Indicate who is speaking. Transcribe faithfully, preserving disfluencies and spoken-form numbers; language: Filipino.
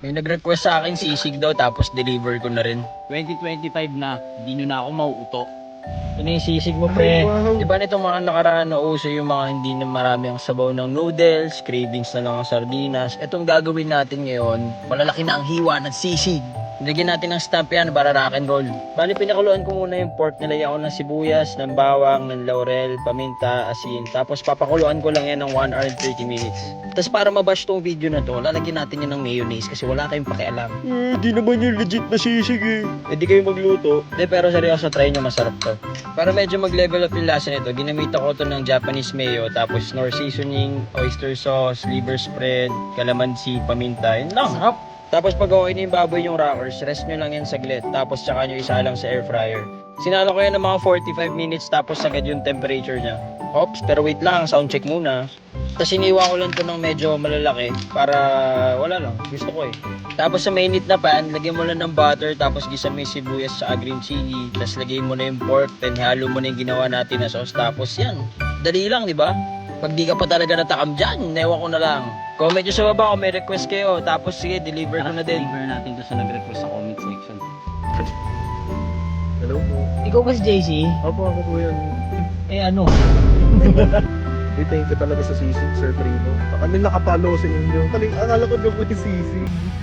Speaker 1: May nag-request sa akin sisig daw tapos deliver ko na rin.
Speaker 2: twenty twenty-five na, hindi nyo na ako mauuto.
Speaker 1: Ano yung sisig mo, pre?
Speaker 3: Wow.
Speaker 1: Di ba nitong mga nakaraan na uso yung mga hindi na marami ang sabaw ng noodles, cravings na lang ang sardinas. Itong gagawin natin ngayon, malalaki na ang hiwa ng sisig. Lagyan natin ng stamp yan para rock and roll. Bali, pinakuluan ko muna yung pork. Nilagyan ko ng sibuyas, ng bawang, ng laurel, paminta, asin. Tapos papakuluan ko lang yan ng one hour and thirty minutes. Tapos para mabash tong video na to, lalagyan natin yan ng mayonnaise kasi wala kayong pakialam.
Speaker 3: Eh, di naman yung legit na sisig eh.
Speaker 1: Eh di kayo magluto. De, pero seryoso, try nyo, masarap to. Para medyo mag-level up yung lasa nito, ginamita ko to ng Japanese mayo, tapos Knorr seasoning, oyster sauce, liver spread, calamansi, paminta. Yun lang. Sarap. Tapos pag okay na yung baboy yung rockers, rest nyo lang yan saglit. Tapos tsaka nyo isa lang sa air fryer. Sinalo ko yan ng mga forty-five minutes tapos agad yung temperature niya. Oops, pero wait lang, sound check muna. Tapos iniwa ko lang to ng medyo malalaki para wala lang, gusto ko eh. Tapos sa mainit na pan, lagyan mo lang ng butter, tapos gisa mo yung sibuyas sa green chili, tapos lagyan mo na yung pork, then halo mo na yung ginawa natin na sauce. Tapos yan, dali lang, di ba? Pag di ka pa talaga natakam dyan, newa ko na lang. Comment nyo sa baba kung may request kayo, tapos sige, deliver ko na din.
Speaker 2: Deliver natin to sa nag-request sa comment section.
Speaker 3: Hello po.
Speaker 1: Ikaw ba si J C?
Speaker 3: Opo, ako po yan.
Speaker 1: Eh ano?
Speaker 3: Eh, thank you talaga sa sisig, Sir Primo. Baka nila nakapalo sa inyo. Kaling, akala ko na po yung sisig.